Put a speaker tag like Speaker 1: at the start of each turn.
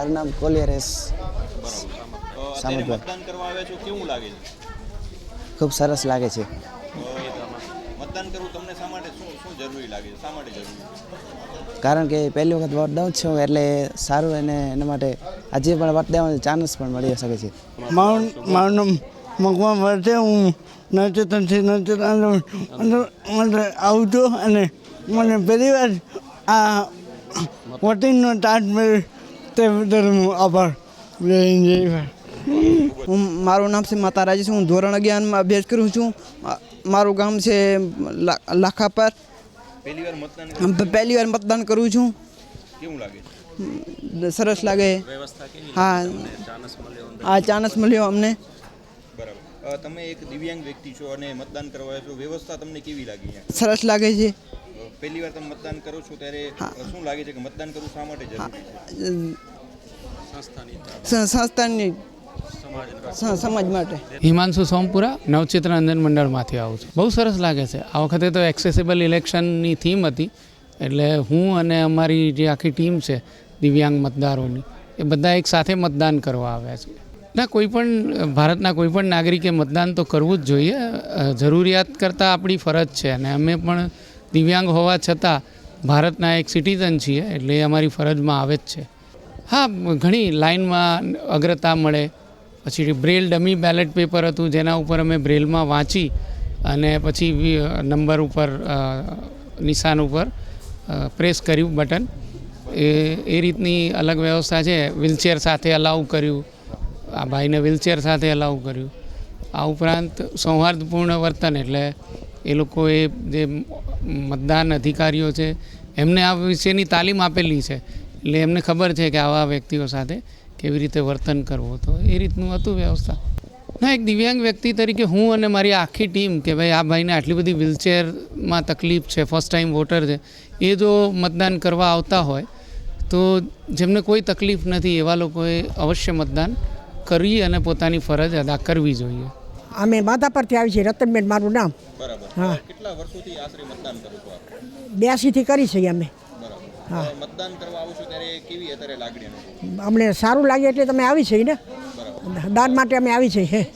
Speaker 1: મારું નામ કોલિયરેસ
Speaker 2: અત્યારે મતદાન કરવા આવ્યા છો, કેવું લાગે છે?
Speaker 1: ખૂબ સરસ લાગે છે.
Speaker 2: મતદાન કરવું તમને શા માટે શું જરૂરી લાગે છે? શા માટે જરૂરી?
Speaker 1: કારણ કે પહેલી વખત વોટ દઉં છું એટલે સારું, અને એના માટે આજે પણ વોટ દેવાનો ચાન્સ પણ મળી શકે છે.
Speaker 3: મારું નામ મકવાન વર્તે, હું નવચેતનથી આવું છું અને મને પહેલી વાર આ વોટિંગનો ચાન્સ મળ્યો તે બદલ હું આભાર.
Speaker 4: મારું નામ છે માતા રાજી છું. હું ધોરણ 11માં અભ્યાસ કરું છું. મારું ગામ છે લાખાપર. પહેલી વાર મતદાન કરું છું.
Speaker 2: કેવું લાગે?
Speaker 4: સરસ લાગે. હા, ચાન્સ મળ્યો અમને.
Speaker 2: બરાબર. તમે એક દિવ્યાંગ વ્યક્તિ છો અને મતદાન કરવા આવ્યા છો, વ્યવસ્થા તમને કેવી લાગી?
Speaker 4: સરસ લાગે છે.
Speaker 2: પહેલી વાર તમે મતદાન કરો છો ત્યારે શું લાગે છે કે મતદાન કરવું શા માટે જરૂરી છે?
Speaker 4: સંસ્થાની સમાજ માટે.
Speaker 5: હિમાંશુ સોમપુરા નવચેતન અંજન મંડળમાંથી આવું છું. બહુ સરસ લાગે છે. આ વખતે તો એક્સેસિબલ ઇલેક્શનની થીમ હતી, એટલે હું અને અમારી જે આખી ટીમ છે દિવ્યાંગ મતદારોની, એ બધા એક સાથે મતદાન કરવા આવ્યા છે. ના, ભારતના કોઈપણ નાગરિકે મતદાન તો કરવું જ જોઈએ. જરૂરિયાત કરતાં આપણી ફરજ છે, અને અમે પણ દિવ્યાંગ હોવા છતાં ભારતના એક સિટીઝન છીએ, એટલે એ અમારી ફરજમાં આવે જ છે. હા, ઘણી લાઇનમાં અગ્રતા મળે. પછી બ્રેલ ડમી બેલેટ પેપર હતું, જેના ઉપર અમે બ્રેલમાં વાંચી અને પછી નંબર ઉપર નિશાન ઉપર પ્રેસ કર્યું બટન. એ રીતની અલગ વ્યવસ્થા છે. વ્હીલચેર સાથે અલાઉ કર્યું, આ ભાઈને વ્હીલચેર સાથે અલાઉ કર્યું. આ ઉપરાંત સૌહાર્દપૂર્ણ વર્તન, એટલે એ લોકોએ જે મતદાન અધિકારીઓ છે એમને આ વિશેની તાલીમ આપેલી છે, એટલે એમને ખબર છે કે આવા વ્યક્તિઓ સાથે કેવી રીતે વર્તન કરવું. તો એ રીતનું હતું વ્યવસ્થા. ના, એક દિવ્યાંગ વ્યક્તિ તરીકે હું અને મારી આખી ટીમ કે ભાઈ આ ભાઈને આટલી બધી વ્હીલચેરમાં તકલીફ છે, ફર્સ્ટ ટાઈમ વોટર છે, એ જો મતદાન કરવા આવતા હોય તો જેમને કોઈ તકલીફ નથી એવા લોકોએ અવશ્ય મતદાન કરી અને પોતાની ફરજ અદા કરવી જોઈએ.
Speaker 6: અમે માધા પરથી આવી છીએ. રતનબેન મારું નામ.
Speaker 2: બરાબર.
Speaker 6: હા.
Speaker 2: કેટલા વર્ષોથી આશરે મતદાન કરો છો આપ?
Speaker 6: 82થી કરી છે અમે.
Speaker 2: હા. મતદાન કરવા આવો છો ત્યારે કેવી અત્યારે લાગણી?
Speaker 6: અમને સારું લાગે એટલે તમે આવી છે ને. દાન માટે અમે આવી છે.